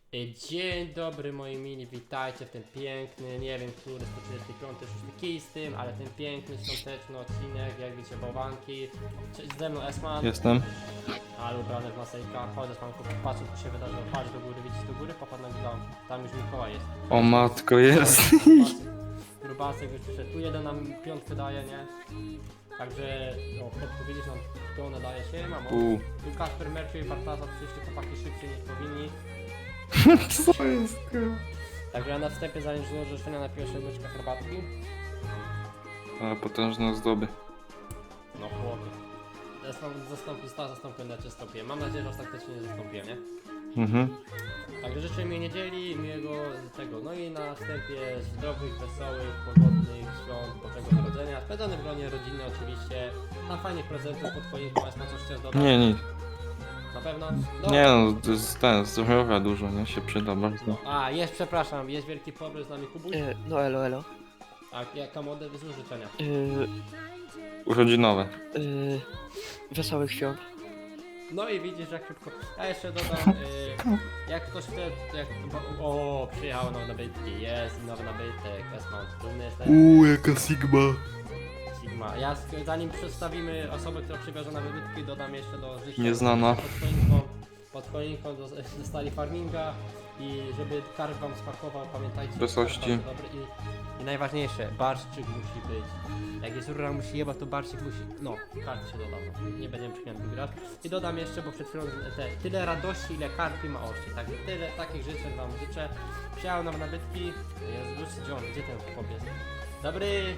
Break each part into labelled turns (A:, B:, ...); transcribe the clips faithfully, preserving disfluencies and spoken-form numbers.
A: Y, Dzień dobry moi mili, witajcie w ten piękny, nie wiem który, sto trzydziesty piąty, szósty kij z tym, ale ten piękny, świąteczny odcinek, jak widzicie bałwanki. Cześć, ze mną Esman,
B: Jestem.
A: ale ubrany w masejka, chodź Esmanku, patrz co się wydarzyło, patrz do góry, widzisz do góry, popatrz na dom, tam już Mikołaj jest.
B: O matko, jest.
A: Grubasek już przyszedł, tu jeden nam piątkę daje, nie? Także, no, kotku widzisz, nam pełne daje się, mamo.
B: U.
A: Tu Kasper, Merciu i Bartasa, przyszli chłopaki szybciej niż powinni.
B: Co jest?
A: Także ja na wstępie, zanim złożę życzenia, napiję się łyczka herbatki.
B: Ale potężne ozdoby.
A: No chłopie. Zastąpię, sta zastąpię, ja cię stąpię. Mam nadzieję, że ostatecznie nie zastąpię, nie?
B: Mhm.
A: Także życzę mi niedzieli, miłego tego. No i na wstępie zdrowych, wesołych, pogodnych świąt Bożego Narodzenia. Spędzony w gronie rodziny oczywiście. Na fajnych prezentów pod choinką, a coś chcesz dodać?
B: Nie, nic.
A: Na pewno? No.
B: Nie no, to jest ten, zdrowia dużo, nie? Się przyda bardzo.
A: A, jest, przepraszam, jest wielki problem z nami Kubuś.
C: E, no elo, elo.
A: A jaka modę wyzły życzenia?
C: E,
B: Urodzinowe.
C: e, wesołych świąt.
A: No i widzisz jak szybko. Ja jeszcze dodam, y, jak ktoś chce, jak, o, przyjechał nowy nabytki, jest nowy nabytek, Esman, dumny jestem,
B: Uuu, jaka Sigma.
A: Sigma. Ja sk- zanim przedstawimy osobę, która przywiozła na nabytki, dodam jeszcze do życzenia.
B: Nieznana.
A: Pod choinką, pod choinką dos- dostali farminga i żeby karp wam smakował, pamiętajcie, że
B: Wesołości.
A: karp bardzo dobry i, i najważniejsze, barszczyk musi być. Jak jest rura musi jebać, to barszczyk musi, no, karp się dodał, no. Nie będziemy przymiany drugi raz. I dodam jeszcze, bo przed chwilą te, tyle radości, ile karpi ma ości, także tyle takich życzeń wam życzę. Przyjechał nam nabytki, Jezus, gdzie on, gdzie ten chłop jest? Dobry!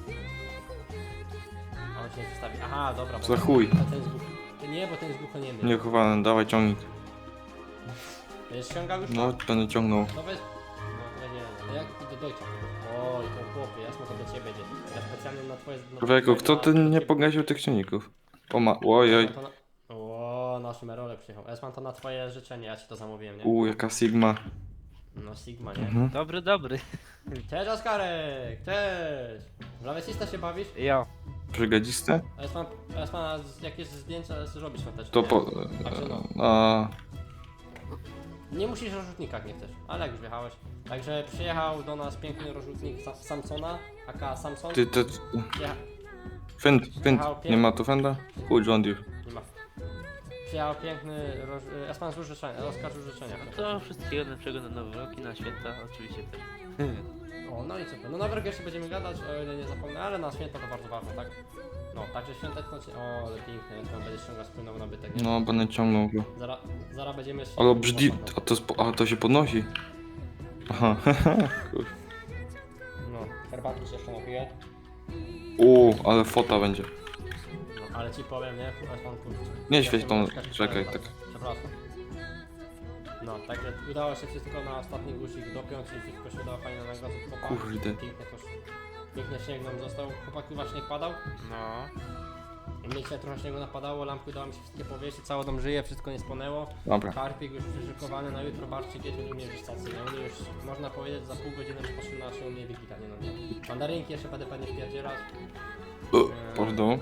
A: A on się nie przedstawi, aha, dobra, bo
B: Za chuj.
A: a ten jest głuchy. Nie, bo ten jest głuchoniemy.
B: Niechowany, dawaj ciągnik.
A: Będziesz ściągał już?
B: No, będę ciągnął.
A: No weź, no weź, nie, no jak ty do dojcia? Oj, to chłopie, jasno to do ciebie będzie. Ja specjalnie na twoje... Na
B: Człowieku, kto
A: na-
B: ty
A: na
B: nie
A: ciebie-
B: pogasił tych ciągników? O ma... Ojoj.
A: Esman to na- O, nasz Merole przyjechał. Esman to na twoje życzenie, ja ci to zamówiłem, nie?
B: Uuu, jaka Sigma.
A: No Sigma, nie?
B: Mhm.
C: Dobry, dobry.
A: Cześć Oskarek, cześć! W lawecista się bawisz?
C: Ja.
B: Przygadziste?
A: Esman, Esman, jakieś zdjęcia zrobisz świąteczne,
B: To
A: nie?
B: po...
A: Także no.
B: A...
A: Nie musisz rozrzutnika, jak nie chcesz, ale jak już wjechałeś. Także przyjechał do nas piękny rozrzutnik Sa Samsona, aka Samson.
B: Ty, ty...
A: Przyjecha...
B: Fend, fend. Nie ma tu fenda? Chuj, John Deere.
A: Nie ma. Przyjechał piękny roż... Espan złóż życzenia, Oskar złóż życzenia.
C: To wszystkiego najlepszego na nowy rok i na święta oczywiście też.
A: O, no i super. No na wergę jeszcze będziemy gadać, o ile nie zapomnę, ale na święta to bardzo ważne, tak? No, także świąteczne... O, ale piękne, Espan będzie ściągał spłynął nabytek, nie?
B: No, będę ciągnął go.
A: Zara, zaraz będziemy...
B: Ale brzydzi... A to, spo... A to się podnosi. Aha, kur...
A: No, herbatki się jeszcze napiję.
B: Uuu, ale fota będzie.
A: No, ale ci powiem, nie? Espan, kurczę.
B: Nie świeć tą...
A: Czekaj,
B: Czekaj,
A: czekaj,
B: tak.
A: Przepraszam. No, także udało się wszystko na ostatni guzik dopiąć i wszystko się udało fajnie nagrać.
B: Kurde.
A: Pięknie też. Piękny śnieg nam został. Chłopaki właśnie śnieg padał.
C: No.
A: Mnie dzisiaj trochę śniegu napadało, lampki udało mi się wszystkie powiesić, cały dom żyje, wszystko nie spłonęło.
B: Dobra.
A: Karpik już przyszykowany na jutro, barszczyk jest u mnie już stacji. No mnie już, można powiedzieć, za pół godziny rozpoczyna się u mnie Wigila, nie no nie. Mandarynki jeszcze będę pewnie wpierdzielać.
B: O, pardon.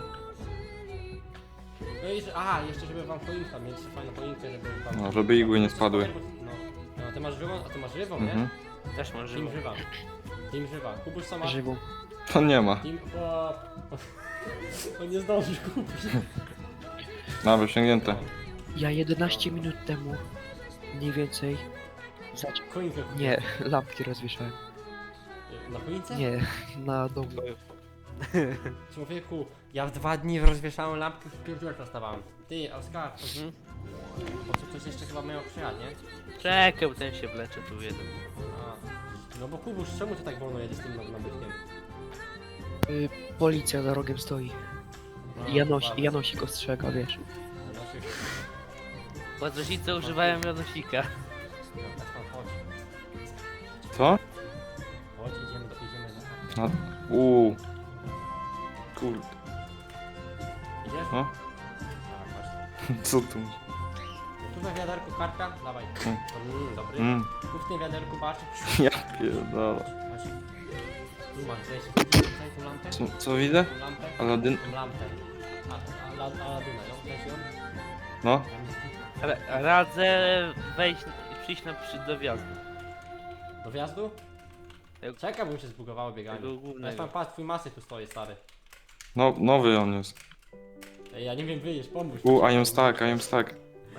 A: No i, że- aha, jeszcze żeby wam choinka, mieć fajną choinkę, żeby wam...
B: No, żeby igły nie spadły.
A: No, no ty masz żywą, a ty masz żywą, nie?
B: Mhm.
C: Też może
A: Team żywa. Team żywa. Kubuś co masz?
C: żywą.
B: To nie ma.
A: Team... O, on nie zdąży kupić.
B: Dobra, osiągnięte.
C: Ja jedenaście minut temu mniej więcej zaczął.
A: Choinkę kupić.
C: Nie, lampki rozwieszałem.
A: Na choince?
C: Nie, na domu.
A: Człowieku, ja w dwa dni rozwieszałem lampki, w pierdolę stawałem. Ty, Oskar,
C: Mhm.
A: bo co ktoś jeszcze chyba miał przyjechać, nie?
C: Czekaj, bo ten się wlecze tu jeden.
A: A. No bo Kubuś, czemu ty tak wolno jedziesz z tym nabytkiem?
C: Y, policja za rogiem stoi.
A: No,
C: Janos,
A: bardzo.
C: Janosik ostrzega, wiesz.
A: Janosik.
C: Bo rodzice używają Janosika.
A: No, tak tam chodź.
B: Co?
A: Chodź, idziemy do, idziemy do...
B: Na... Uuu. Kurde.
A: Idziesz?
B: No?
A: Tak, chodź.
B: Co tu?
A: Tu we wiaderku karpia, dawaj.
B: Mm.
A: Mm, dobry.
B: Mm.
A: Tu w tym wiaderku barszczyk.
B: Ja pierdolę.
A: Chodź. Tu masz, weź tutaj tą lampę.
B: Co, co widzę?
A: Tą lampę.
B: Aladyn?
A: Tą lampę. A, a, Aladyna, ją weź ją.
B: No?
A: Tam jest-
D: Ra- Radzę wejść, przyjść na przy, do wjazdu.
A: Do wjazdu?
D: Jak-
A: Czekaj, bo mi się zbugowało bieganie.
D: Tego
A: Ja
D: głównego.
A: tam patrz, twój masy tu stoi, stary.
B: No, nowy on jest.
A: Ej, ja nie wiem, wyjść, pomóż.
B: U, I am stuck, I am stuck.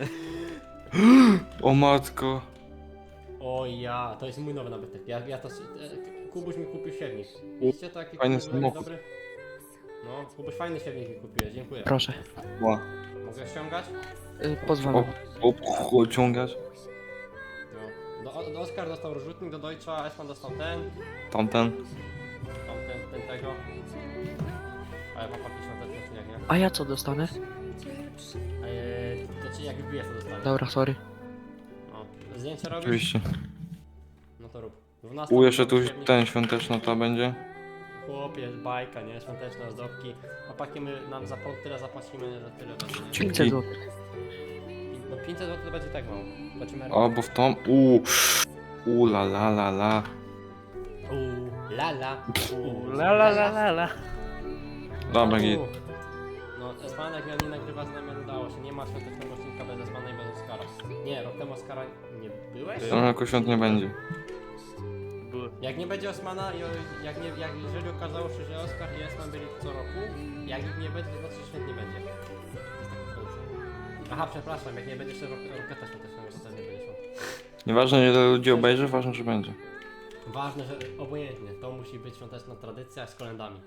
B: O matko.
A: O ja, to jest mój nowy nabytek. Ja, ja to... e, Kubuś mi kupił siewnik. Widzicie to, jaki
B: Fajny
A: Kubuś był
B: samochód.
A: dobry? No, Kubuś fajny siewnik mi kupiłeś, dziękuję.
C: Proszę.
B: Ła.
A: Mogę ściągać?
C: Y, pozwalam.
B: O, o, ciągać.
A: No. Do, do Oskar dostał rozrzutnik, do Deutscha, Esman dostał ten,
B: Tamten.
A: tamten, ten tego. A ja mam papier świąteczny czy jak nie?
C: A ja co dostanę?
A: Eee, to ci jak wbijesz to dostaniesz.
C: Dobra, sorry.
A: No. Zdjęcie robisz?
B: Oczywiście.
A: No to rób. dwunasta
B: U, jeszcze tu
A: siewnik.
B: ten świąteczna ta będzie.
A: Chłopie, bajka, nie? Świąteczne ozdobki. Chłopaki, my nam za po- tyle zapłacimy, że tyle będzie. nie?
C: pięćset złotych.
A: No pięćset złotych to będzie tak mało. Zobaczymy.
B: O, bo w tą. U. U, la la la la.
A: Uuu, lala. Uuu,
D: La la la la la.
B: Dobra, git.
A: No, Esman jak miał nie nagrywa z nami, ale udało się. Nie ma świątecznego odcinka bez Esmana i bez Oskara. Nie, rok temu Oskara nie byłeś?
B: Tam jako świąt nie będzie.
D: Były.
A: Jak nie będzie Osmana i o- jak nie, jak jeżeli okazało się, że Oskar i Esman byli co roku, jak ich nie będzie, to znaczy, że święt nie będzie. To jest taka tradycja. Aha, przepraszam, jak nie będzie jeszcze rok- roketa świątecznego, to też nie będzie świąt.
B: Nieważne ile ludzi obejrzy, ważne, że będzie.
A: Ważne, że obojętnie, to musi być świąteczna tradycja z kolendami.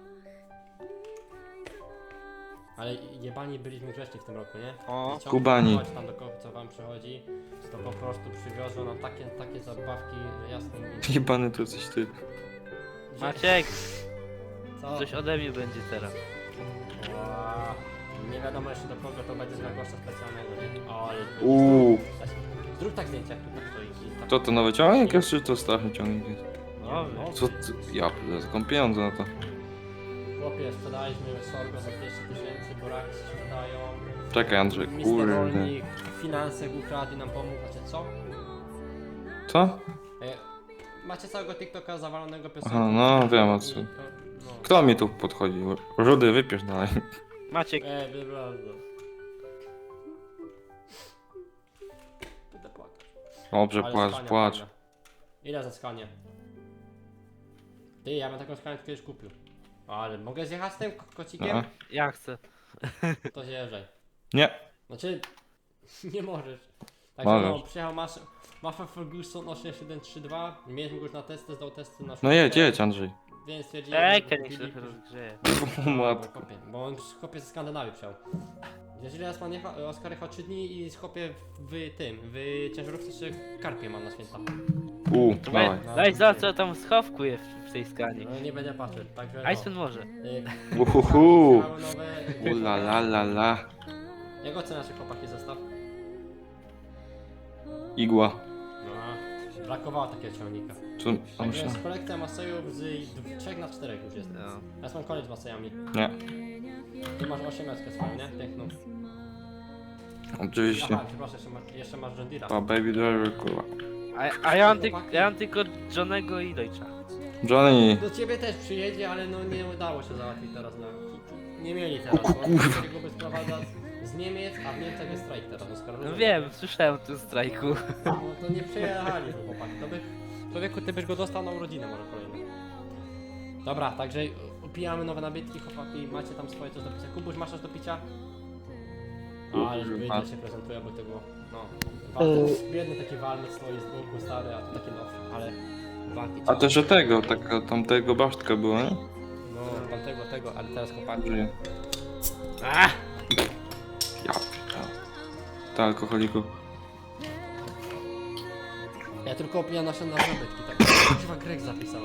A: Ale jebani byliśmy grzeczni w tym roku, nie?
D: O.
A: Ciągle
B: Kubani.
A: chodź tam do kogo co wam przychodzi, to po prostu przywiozą nam takie, takie zabawki, że jasno mi.
B: Jebany to jesteś ty.
D: Maciek,
A: Co?
D: coś ode mnie będzie teraz.
A: Ła, nie wiadomo jeszcze do kogo to będzie z gościa specjalnego, nie? O, ale...
B: Uuu.
A: Zrób tak zdjęcie, jak tu tak stoi. i tak-
B: To to nowy ciągnik jest, czy to stary ciągnik jest?
D: No,
A: no,
B: Co ty? Ja pierdolę, skąd pieniądze na to?
A: Chłopie, sprzedaliśmy sorgo za dwieście tysięcy, boraki się sprzedają.
B: Czekaj, Andrzej,
A: mister
B: kurde.
A: Rolnik finanse ukradł i nam pomógł, znaczy co?
B: Co?
A: E, macie całego TikToka zawalonego piosenką.
B: Aha, no, wiem, o co.
A: I- No.
B: Kto mi tu podchodzi? Rudy, wypisz dalej.
D: Maciek,
A: E, wybrano. Będę płakać.
B: Dobrze,
A: Ale
B: płacz,
A: skania
B: płacz.
A: fajna. Ile za skanię? Ty, ja bym taką skanię kiedyś kupił. Ale mogę zjechać z tym ko- kocikiem?
B: A?
D: ja chcę.
A: To zjeżdżaj.
B: Nie.
A: Znaczy, nie możesz. Także
B: Możesz.
A: no, przyjechał Masz Mafia Ferguson osiem siedem trzy dwa. Mieliśmy go już na testy, zdał testy na
B: No jedź, jedź, Andrzej.
A: Więc stwierdziłem,
D: Ej,
A: że
D: niech się
A: kupili-
D: trochę rozgrzeje.
B: O matko.
A: Kopie, bo on kopie ze Skandynawii przyjął. Jeżeli raz pan jechał, Oskar jechał trzy dni i skopie w tym, w ciężarówce jeszcze karpie mam na święta.
B: U,
D: To
B: dawaj.
D: Daj, daj za co tam schowku jest w, w tej skanie.
A: No nie będę patrzył, także no.
D: Iceman może.
A: Y,
B: Uhuhu.
A: przyjechały nowe...
B: U la la la la.
A: Jak oceniasz się chłopaki zestaw?
B: Igła.
A: No, brakowało takiego ciągnika.
B: Tu, a
A: Także
B: myślę.
A: jest kolekcja Masejów z trzech na czterech już jest.
D: No.
A: Ja mam koniec z Masejami.
B: Nie.
A: Ty masz osiemnastkę swoją, nie? Piękną.
B: Oczywiście.
A: Aha, przepraszam, jeszcze masz, jeszcze masz John Deere'a.
B: Pa baby driver, kurwa.
D: A, a ja, mam ty, ja mam tylko Johnego i Deutscha.
B: Johnny.
A: Do ciebie też przyjedzie, ale no nie udało się załatwić teraz na... Nie mieli teraz, bo chcieli go by sprowadzać z Niemiec, a w Niemczech jest strajk teraz. Oskar,
D: No
A: rozumiesz?
D: wiem, słyszałem o tym strajku.
A: No to nie przyjechali chłopaki, to by... Człowieku, ty byś go dostał na urodziny może kolejne. Dobra, także upijamy nowe nabytki, chłopaki, macie tam swoje coś do picia. Kubuś, masz coś do picia? Ale
B: Kurwa.
A: wyjdzie się prezentuje, bo tego, no... Walter, biedny taki walny stoi z boku, stary, a tu taki no, ale... Walki
B: A
A: trzeba-
B: też że tego, taka tamtego basztka była, nie?
A: No, tamtego, tego, ale teraz chłopaki...
B: Żyje.
A: Ah!
B: Ja. Ta alkoholiku.
A: Ja tylko opijam nasze nabytki, tak? Chyba Greg zapisałem.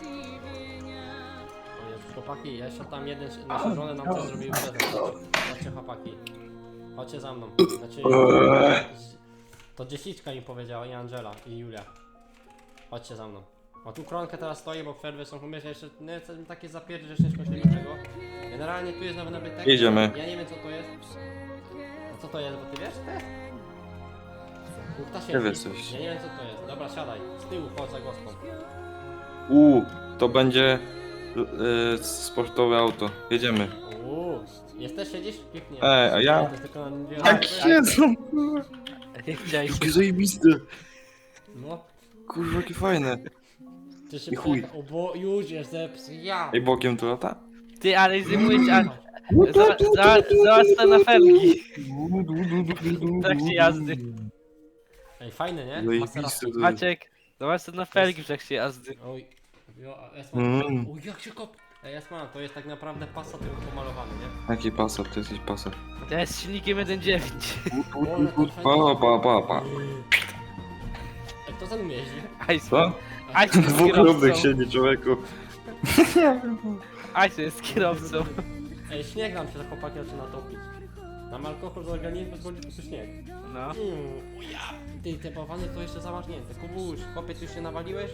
A: O Jezu, chłopaki, ja jeszcze tam jeden, nasze żony nam coś zrobiły prezent. Chodźcie chłopaki. Chodźcie za mną. Znaczy... To dziesiczka mi powiedziała i Angela i Julia. Chodźcie za mną. O tu kronkę teraz stoję, bo przerwy są umierzone jeszcze nie, to takie zapierdzie, że nie skończyli niczego. Generalnie tu jest nowy nabytek.
B: Idziemy.
A: Ja nie wiem co to jest. A co to jest, bo ty wiesz to jest? Kuchta
B: Ja wiesz coś.
A: Ja nie wiem co to jest. Dobra, siadaj. Z tyłu chodź za gospą.
B: U, to będzie y, sportowe auto. Jedziemy.
A: Uuu, jesteś, siedzisz? Pięknie.
B: Ej, a ja?
A: Nie, to jest tylko na dwie
B: Tak
A: osoby.
B: siedzą.
D: Nie chciałeś.
B: Jakie zajebiste.
A: No,
B: Kurwa, jakie fajne.
A: ty się
B: I chuj.
A: przejechał. O, bo już jest zepsuł. Ja.
B: Ej, bokiem to lata?
D: Ty, ale zjmuję cię, a... Za- za- Zobacz te na felgi. W trakcie jazdy.
A: Ej, fajne, nie?
B: Zajebiste
A: Maserati.
B: to jest.
D: Maciek, zobacz te na felgi w trakcie jazdy.
A: Oj, jo, a Esman,
B: Mm.
A: oj, jak się kop... Ej, Esman, to jest tak naprawdę Passat tylko pomalowany, nie?
B: Jaki pasat, to jesteś pasat.
D: To jest z silnikiem jeden dziewięć.
B: Pa, pa, pa, pa.
A: Ej, kto za nim jeździ?
D: Ice.
B: Co?
D: Ice jest
B: Dwóch równych
D: kierowcą.
B: siedzi, człowieku.
D: Ice jest kierowcą.
A: Ej, śnieg nam się za chłopaki zaczyna topić. Nam alkohol z organizmu wchodzi po prostu śnieg.
D: No.
A: Mm, o ja. Ty, te bałwany to jeszcze zamarznięte. Kubuś, chłopie, ty już się nawaliłeś?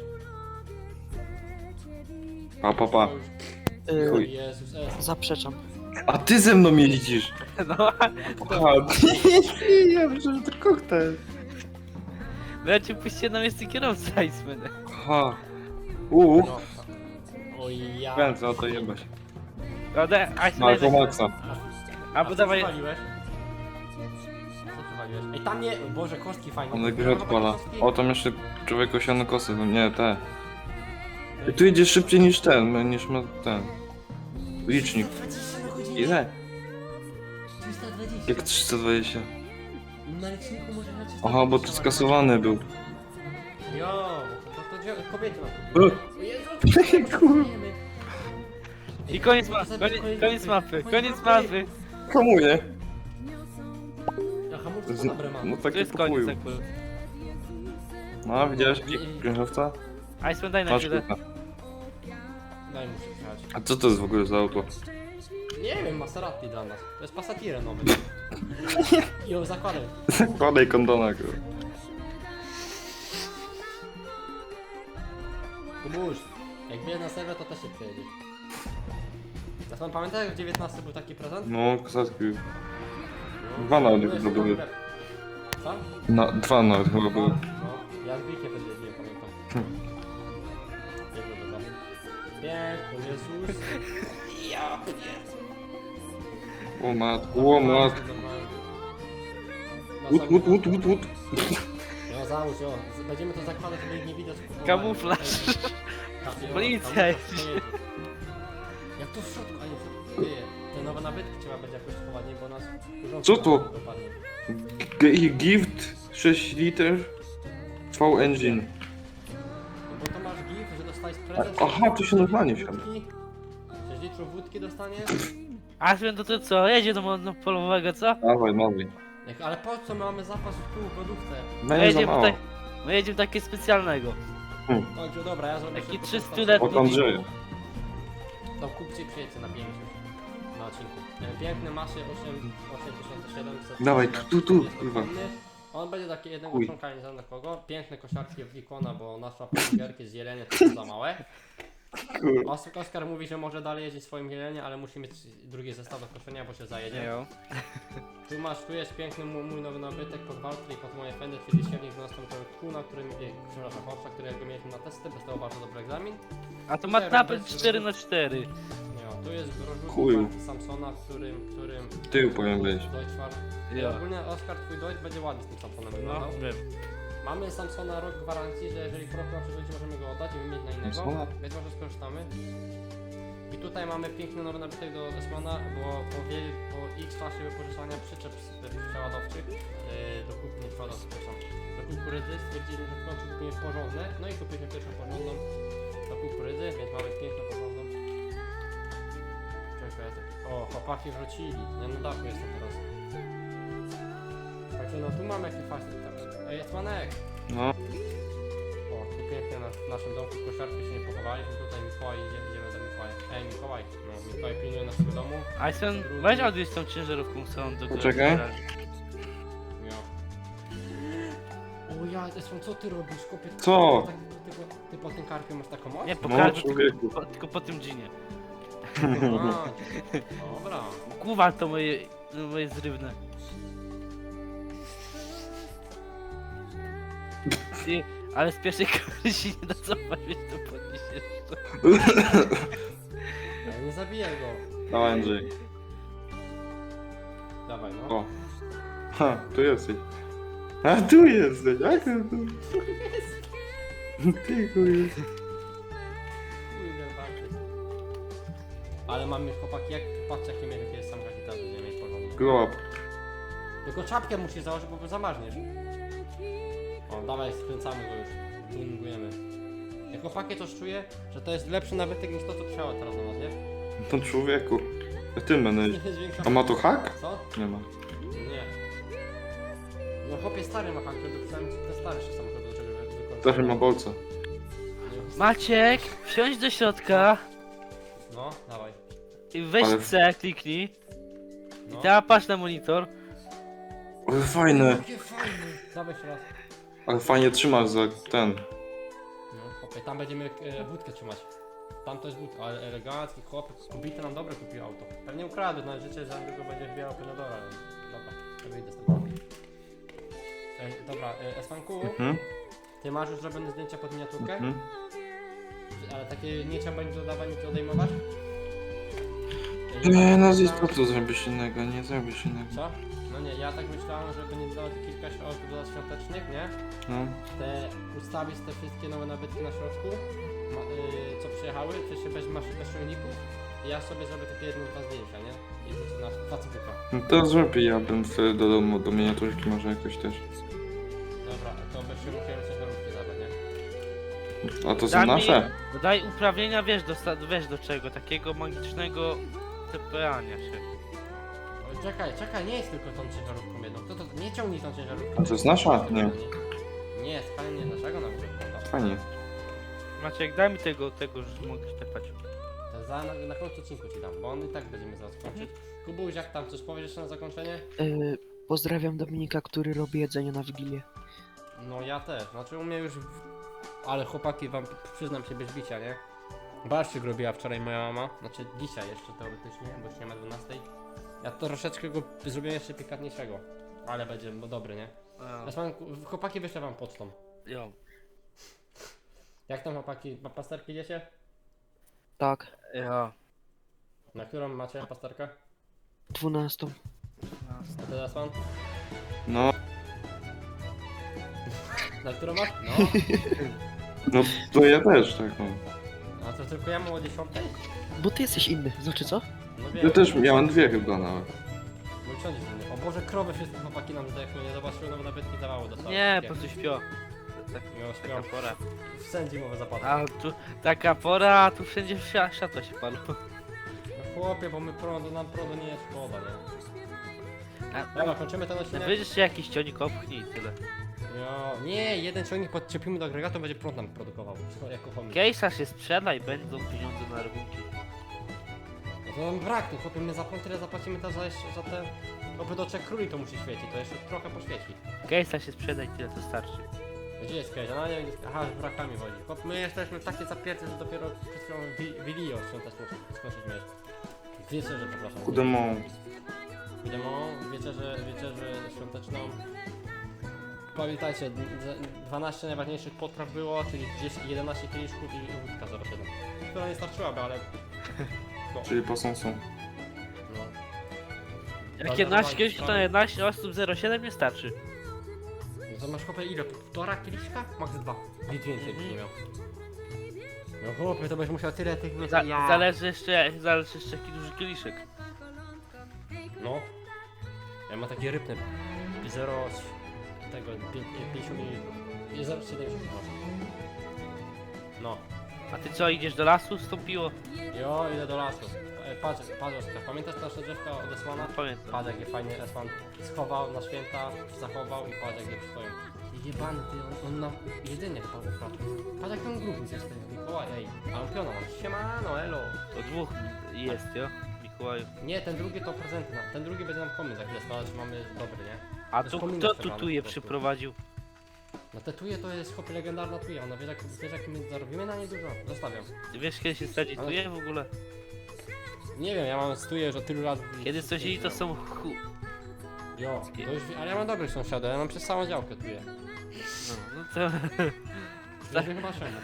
B: Pa, pa, pa.
C: Yy,
B: Chuj.
A: Jezus, es.
C: zaprzeczam.
B: A ty ze mną jeździsz.
D: No.
B: A, ja myślę, że to koktajl.
D: Bo ja cię puściłem na miejsce kierowcy Iceman.
B: Aha. Uuu.
A: No. Oj ja.
B: Kręcę, o to jebać.
D: No, daj, Iceman.
B: Marko Maxa.
D: Albo
A: co
D: dawaj.
A: przywaliłeś? Co przywaliłeś? Ej, tam nie... Boże, kostki fajne.
B: On grę odpala.
A: Kostki?
B: O, tam jeszcze człowiek osiany kosy, no nie, te. I tu idzie szybciej niż ten, niż ma ten. Licznik.
A: dwadzieścia na godzinę.
B: Ile?
A: trzysta dwadzieścia.
B: Jak trzysta dwadzieścia.
A: Na liczniku może na trzysta
B: Aha, bo to
A: dwadzieścia
B: skasowany był.
A: Jo, to, to, to kobiety na
B: E,
A: O Jezu,
B: Kur-
D: I koniec mapy, koniec, koniec mapy, koniec mapy.
B: Hamuje.
A: Ja hamulce
B: Z-
A: to dobre mam.
B: No
D: To
B: tak
D: jest
B: jak
D: koniec
B: kupują.
D: akurat.
B: No, widziałeś krężowca?
D: Iceman, daj na
B: Patrz,
D: chwilę.
B: kurwa.
A: Daj mu się przejechać.
B: A co to jest w ogóle za auto?
A: Nie wiem, Maserati dla nas. To jest Passatire nowy. Jo, zakładaj.
B: Zakładaj kondona, kurwa.
A: Kubuś, jak bierz na serwer, to też się przejedzie. Ja pan pamiętaj, jak w dziewiętnastym był taki prezent?
B: No, kosatki.
A: No.
B: Dwa nawet
A: No,
B: chyba
A: jest
B: były.
A: to Co?
B: Na, dwa nawet chyba były.
A: No, ja z Wilkiem też jeździłem, pamiętam.
B: Hmm.
A: Jego do was. Piękny Jezus. Ja pierdolę.
B: O matku, o matku.
A: No,
B: Łut, łut, łut, łut, łut.
A: No załóż, jo. Z- Będziemy to zakładać, żeby ich nie widać. kupowania.
D: Kamuflaż.
A: Tak, jo,
D: Policja
A: kamuflaż,
D: jest.
A: to jedzie. Jak to w środku, a nie w środku. Ty, te nowe nabytki trzeba będzie jakoś schować, nie, bo nas urząd
B: Co to?
A: dopadnie.
B: G- Gift sześć liter V Engine.
A: No bo to masz gif, że dostałeś prezent.
B: A- aha, to się normalnie wsiada.
A: sześć litrów wódki dostaniesz?
D: Iceman, to to co? Jedzie do monopolowego, co?
B: Dawaj, dawaj.
A: Jak, ale po co my mamy zapas w pół w lodówce?
D: My
B: Będzie za
D: jedziemy
B: mało.
D: tutaj. My jedziemy takie specjalnego.
A: Dobrze, dobra, ja zrobię
D: Taki
A: szybko
D: trzystuletni.
B: Od Andrzeja.
A: To kupcie i przyjedźcie na pięć już. Na odcinku. E, Piękny Masie osiem tysięcy siedemset.
B: Dawaj, tu, tu, tu,
A: Jest
B: kurwa.
A: ogromny. On będzie taki jednego
B: Chuj.
A: członka, nie znam na kogo. Piękne kosiarki od Wikona, bo nasza burgerki z jelenie to są za małe.
B: Kurwa.
A: Os- Oskar mówi, że może dalej jeździć swoim jelenie, ale musi mieć drugi zestaw do koszenia, bo się zajedzie.
D: Jo.
A: Tu masz, tu jest piękny mój, mój nowy nabytek pod Valtteri, pod moje fendy, czyli siewnik dwunastoosobowy Kuna, który, e, przepraszam, Horsza, którego mieliśmy na testy, dostał bardzo dobry egzamin.
D: A to ma napęd cztery na cztery.
A: Nie, tu jest
B: Chuju.
A: rozrzutnik Samsona, w którym, którym...
B: Tył powinien być.
A: Deutschfar.
D: Jo.
A: Ogólnie Oskar, twój Deutsch będzie ładnie z tym Samsonem
D: No,
A: wyglądał.
D: wiem.
A: Mamy Samsona rok gwarancji, że jeżeli w roku na przyszłość możemy go oddać i wymienić na innego,
B: Samsona?
A: więc może skorzystamy. I tutaj mamy piękny nowy nabytek do Esmana, bo po, wie, po X czasie wypożyczania przyczep z- przeładowczych yy, do kup, nie przeładowczych, przepraszam, do kukurydzy stwierdzili, że w końcu kupimy porządne, no i kupiliśmy pierwszą porządną do kukurydzy, więc mamy piękną porządną. Czekaj, ja tak... O, chłopaki wrócili, ja na dachu jestem teraz. Także no tu mamy jakiś fajny tak. Ej, Esmanek!
B: No.
A: O, tu pięknie na, w naszym domku kosiarki się nie pochowaliśmy, tutaj Mikołaj, idzie, idziemy do Mikołaja. Ej, Mikołaj, no, Mikołaj pilnuje naszego domu.
D: Iceman, weź odwieź tą ciężarówką całą do
B: Poczekaj.
D: garażu.
A: Ja. O ja, Esman, co ty robisz, kopie?
B: Co?
A: Ty, ty, ty, ty po tym karpie masz taką moc?
D: Nie, po
B: No,
D: garażu,
B: człowieku.
D: tylko, po- tylko po tym dżinie.
A: A, dobra.
D: Kuwa to moje, moje zrywne. Ty, ale z pierwszej kamery się nie da cofać, więc to podniesiesz.
A: Ej, nie zabijaj go.
B: Dawaj, Andrzej.
A: Dawaj, no.
B: O. Ha, tu jesteś. A tu jesteś, jak to tu? Ty chuj.
A: Kurde, walczyć. Ale mam już chłopaki, jak patrzcie jakie mnie jakieś samochody tam nie mieć porządku.
B: Grow up.
A: Tylko czapkę musisz założyć, bo zamarzniesz. O, dawaj, skręcamy go już. Tuningujemy. Jak chłopaki coś czuję, że to jest lepszy nabytek niż to, co chciała teraz na nas, nie?
B: To człowieku. A ty będę.
A: Nie jest większa...
B: A ma to hak?
A: Co?
B: Nie ma.
A: Nie. No chłopie stary ma hak, żeby przynajmniej te starsze samochody do czego wykorzystać.
B: Też ma bolca.
D: Maciek, wsiądź do środka
A: No, dawaj.
D: i weź
B: Ale-
D: C, kliknij.
A: No.
D: I teraz patrz na monitor.
B: Ale fajne.
A: Jakie fajne. Dawaj jeszcze raz.
B: Ale fajnie trzymasz za ten.
A: No, chłopie, tam będziemy e, wódkę trzymać. Tam to jest wódka, ale elegancki chłop, kobiety nam dobre kupił auto. Pewnie ukradł, na życie za niego będzie wbijał Penadora. Dobra, to wyjdę z tego. Ej, dobra, e, Esfanku,
B: Mhm.
A: ty masz już zrobione zdjęcia pod miniaturkę?
B: Mhm.
A: Ale takie nie trzeba będzie dodawać, nic odejmować?
B: Nie, no z co tu zrobisz innego, nie zrobisz innego.
A: Co? No nie, ja tak myślałem, żeby nie dodawać kilka środków dodawać świątecznych, nie?
B: No.
A: Te ustawić te wszystkie nowe nabytki na środku, ma, y, co przyjechały, czy się bez, masz bez ciągników i ja sobie zrobię takie jedno, dwa zdjęcia, nie? I to na Facebooka.
B: No to zrób i ja bym wtedy do domu, do miniaturki może jakoś też.
A: Dobra, to byśmy musieli coś do różki zabrać, nie?
B: A to są
D: Daj mi-
B: nasze?
D: Dodaj uprawnienia, wiesz do, sta- wiesz do czego, takiego magicznego tepeania się.
A: O, czekaj, czekaj, nie jest tylko tą ciężarówką jedną. To, to nie ciągnij tą ciężarówką.
B: A to jest nasza? Nie.
A: Nie, skali nie naszego na górze.
B: Fajnie.
D: Maciek, daj mi tego, tego, że mogę tepać.
A: To za, na, na końcu odcinku ci dam, bo on i tak będziemy zaraz kończyć. Kubuś, jak tam coś powiesz jeszcze na zakończenie?
C: Yy, pozdrawiam Dominika, który robi jedzenie na Wigilię.
A: No ja też, znaczy u mnie już... w- Ale chłopaki, wam przyznam się bez bicia, nie? Barszczyk robiła wczoraj moja mama, znaczy dzisiaj jeszcze teoretycznie, bo już nie ma dwunastej. Ja to troszeczkę go zrobiłem jeszcze pikantniejszego, ale będzie bo dobry, nie? Ja mam, chłopaki wyślę wam pocztą.
D: Jo.
A: Jak tam chłopaki, ma pasterki idziecie?
C: Tak,
D: Jo.
A: Na którą macie pasterkę?
C: dwunastą.
A: A teraz pan?
B: No,
A: Na którą masz? No.
B: no to ja też tak mam.
A: A to tylko ja mam o dziesiątej?
C: Bo ty jesteś inny, znaczy co?
A: No
B: Ja też miałem dwie chyba nawet.
A: Mój ksiądz jest inny. O Boże, krowy wszystkie chłopaki nam zdechły, nie zobaczyły, no bo nawet nie dawało do
D: Nie, po prostu śpią. Tak,
A: Miał
D: taka
A: śpią.
D: pora.
A: W sen zimowe zapadły.
D: A tu taka pora, a tu wszędzie świa- światło się palą.
A: No chłopie, bo my prądu, nam prądu nie jest szkoda, nie?
D: A,
A: Dobra, kończymy ten odcinek.
D: Wyjdziesz się jakiś cionik opchnij i tyle.
A: Jo, nie, jeden ciągnik podczepimy do agregatu, będzie prąd nam produkował. Co, jako chomik.
D: Case'a się sprzeda i będą pieniądze na rachunki.
A: No to nam brak, no chłopie, my za prąd tyle zapłacimy to za, jeszcze- za te... Oby do trzech króli to musi świecić, to jeszcze trochę poświeci.
D: Case'a się sprzeda i tyle to starczy.
A: Gdzie jest Kejza? No nie wiem, gdzie jest... Aha, z brakami chodzi. Chłop, my jesteśmy takie zapierte, że dopiero przed chwilą wi- Wilio świąteczną skończyliśmy jeść. Wieczerze, przepraszam.
B: Kudemą.
A: Wiadomo, wieczerze, wieczerze świąteczną. Pamiętajcie, d- dwanaście najważniejszych potraw było, czyli gdzieś jedenaście kieliszków i wódka zero siedem. Która nie starczyłaby, ale... No,
B: Czyli posąsą.
A: no.
D: Jak
A: Dobra,
D: jedenaście
A: dawaj,
D: kiedyś to
A: dawaj.
D: jedenaście osób zero siedem nie starczy.
A: No to masz chłopie ile? Półtora kieliszka? Max dwa. Nic więcej byś nie miał. No chłopie, to będziesz musiał tyle tych...
D: Za,
A: ja.
D: Zależy jeszcze, zależy jeszcze jaki duży kieliszek.
A: No. Ja mam takie rybne. zero tego pięćdziesiąt mililitrów. I zero przecinek siedemdziesiąt. No.
D: A ty co, idziesz do lasu z tą piło?
A: Jo, idę do lasu. E, Patrz, patrz Oskar, pamiętasz nasze drzewka od Esmana?
D: Pamiętam.
A: Patrz jakie fajnie Esman schował na święta, zachował i patrz jakie przystoją. Jebany ty, on, on nam jedynie chyba ukradł. Patrz jak ten gruby jest ten Mikołaj, ej. A on piona mam. Siemano, elo.
D: To dwóch jest, jo? Mikołaju.
A: Nie, ten drugi to prezenty nam. Ten drugi będzie nam komin za chwilę składać, mamy dobry, nie?
D: A
A: To
D: tu
A: jest
D: kto
A: komina
D: tu je
A: po prostu.
D: przyprowadził?
A: No te tuje to jest chłopie legendarna tuja, ona wiesz jak, wiesz jak my zarobimy na nie dużo? Zostawiam.
D: Ty wiesz kiedy się stadzi tu je w ogóle?
A: Nie wiem, ja mam stuje już od tylu lat.
D: Kiedy sąsiedzi to są chu...
A: Jo, to już, ale ja mam dobrych sąsiadów, ja mam przez całą działkę tuje.
D: No, no to...
A: Tak. Chyba czemu.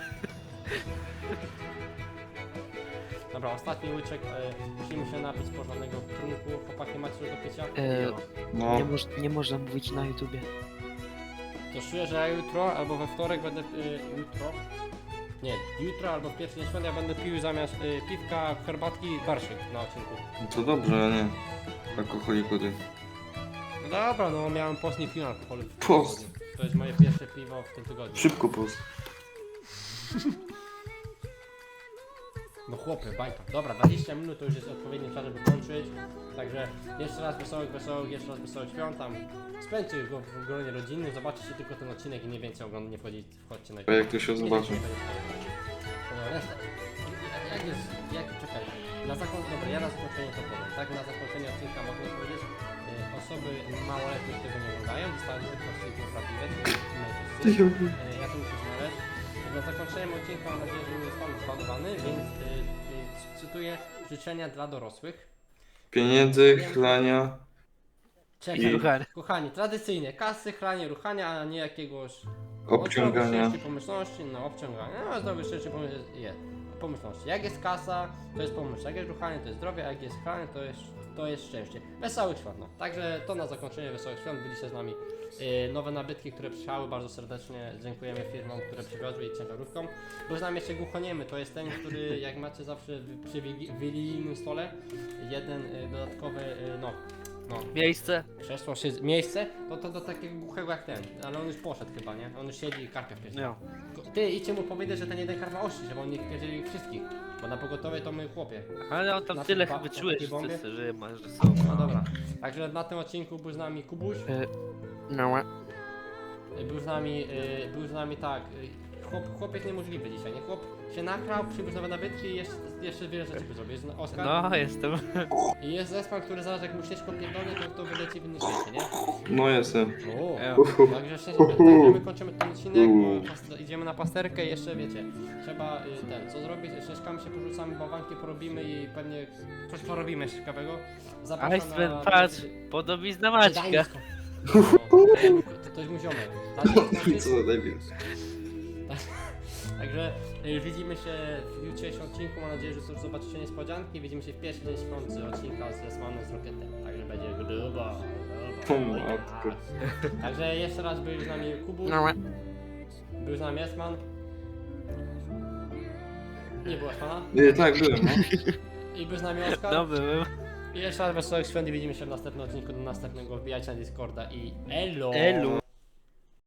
A: Dobra, ostatni łyczek, e, musimy się napić z porządnego trunku. Chłopaki macie coś do picia?
C: E,
B: No.
C: nie, moż, nie można mówić na YouTubie.
A: To czuję, że ja jutro albo we wtorek będę... Y, jutro? Nie, jutro albo w pierwszy dzień świąt ja będę pił zamiast y, piwka, herbatki, barszyk na odcinku.
B: No to dobrze, a nie. Alkoholiku ty.
A: No dobra, no miałem post, nie piłem alkoholu w tym
B: Post.
A: tygodniu. To jest moje pierwsze piwo w tym tygodniu.
B: Szybko post.
A: No chłopie, bajka. Dobra, dwadzieścia minut to już jest odpowiedni czas, żeby kończyć. Także jeszcze raz wesołych, wesołych, jeszcze raz wesołych świąt tam. Spędźcie go w gronie rodzinnym, zobaczycie tylko ten odcinek i nie więcej oglądać, nie wchodzić, wchodźcie na
B: A jak to się zobaczy?
A: No, reszta. Jak, jak jest, jak, czekaj, na zakończenie, dobra, ja na zakończenie to powiem, tak? Na zakończenie odcinka mogę powiedzieć, y, osoby małoletnie tego nie oglądają, zostały tylko odcinki prawdziwe, czyli my wszyscy. Y, ja to muszę znaleźć. Na zakończenie odcinka mam nadzieję, że nie został zbanowany, więc y, y, cytuję życzenia dla dorosłych.
B: Pieniędzy, chlania.
A: Czekaj,
B: I-
C: Ruchany.
A: kochani, tradycyjnie kasy, chlanie, ruchania, a nie jakiegoś
B: Obciągania.
A: szczęście, pomyślności, no obciągania, no zdrowie, szczęście, pomyślności, jest, pomyślności. Jak jest kasa, to jest pomyśl, jak jest ruchanie, to jest zdrowie, a jak jest chlanie, to jest, to jest szczęście. Wesołych świąt, no. Także to na zakończenie Wesołych Świąt, byliście z nami yy, nowe nabytki, które przyjechały, bardzo serdecznie dziękujemy firmom, które przywiozły i ciężarówkom. Był z nami jeszcze głuchoniemy, to jest ten, który jak macie zawsze w- przy wigi- wigilijnym stole, jeden yy, dodatkowy, yy, no, no,
D: Miejsce.
A: krzesło, szyz- miejsce, to to do takiego głuchego jak ten, ale on już poszedł chyba, nie? On już siedzi i karpia wpierdziela.
D: No.
A: Ty idźcie mu powiedzieć, że ten jeden karwa ości, żeby on nie wpierdzielił wszystkich, bo na pogotowie to my chłopie.
D: Ale on tam
A: Na
D: tyle
A: ba-
D: wyczułeś,
A: takiej bombie?
D: że, że masz, że są.
A: No dobra, także na tym odcinku był z nami Kubuś,
C: No.
A: y, był z nami, y, był z nami tak, y, chłop, chłopiec niemożliwy dzisiaj, nie? Chłop się nakrał, przybył nowe nabytki i jeszcze, jeszcze wiele rzeczy by zrobił. Jest Oskar
D: No, jestem.
A: i jest Zespan, który zaraz jak mu ścieżką pierdolnie, to, to wyleci w inny świecie, nie?
B: No jestem.
A: O,
D: Ejo.
A: także szczęście, także my kończymy ten odcinek, bo pas- idziemy na pasterkę i jeszcze wiecie, trzeba y, ten, co zrobić, ścieżkami się porzucamy, bałwanki porobimy i pewnie coś porobimy jeszcze ciekawego. Zapraszam
D: Iceman,
A: na...
D: patrz, podobizna Maćka.
A: Gdańsko. No, to, to jest mój ziomek. Tak,
B: Co za debil.
A: Także y, widzimy się w jutrzejszym odcinku, mam nadzieję, że też zobaczycie niespodzianki. Widzimy się w pierwszy dzień świąt odcinka z Esmanem z Rocketem, także będzie grubo,
B: O
A: grubo.
B: matko.
A: Także jeszcze raz był z nami Kubu,
C: No.
A: był z nami Esman. Nie było Esmana.
B: Nie, tak, byłem, no.
A: I był z nami Oskar.
D: No, byłem.
A: I jeszcze raz wesołych świąt i widzimy się w następnym odcinku do następnego. Wbijajcie na Discorda i elo!
D: Elu.